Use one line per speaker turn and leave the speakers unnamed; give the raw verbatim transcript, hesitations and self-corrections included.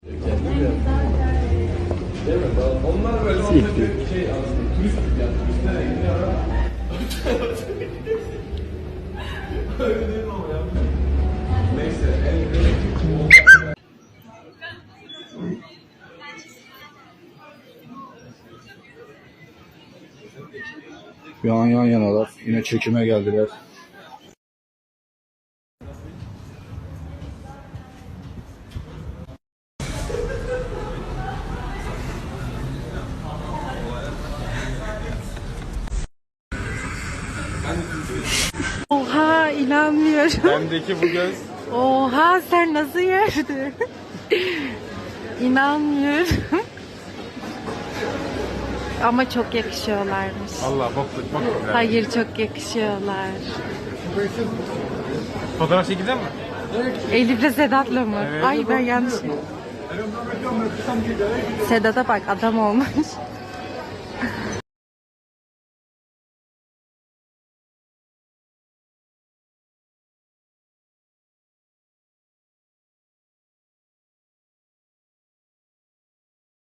Onlar böyle şey aslında turist gibi yani turistlere gidiyor ama öyle değil mi ama ya? Neyse
Şu an yan yanalar. Yine çekime geldiler.
Oha, inanmıyorum.
bendeki bu göz
Oha, sen nasıl gördün? İnanmıyorum. Ama çok yakışıyorlarmış.
Allah bokluk bokluk.
Hayır, çok yakışıyorlar.
Fotoğraf çekeceğim mi?
Elif'le Sedat'la mı?
Evet.
Ay, ben yanlış. Sedat'a bak, adam olmuş.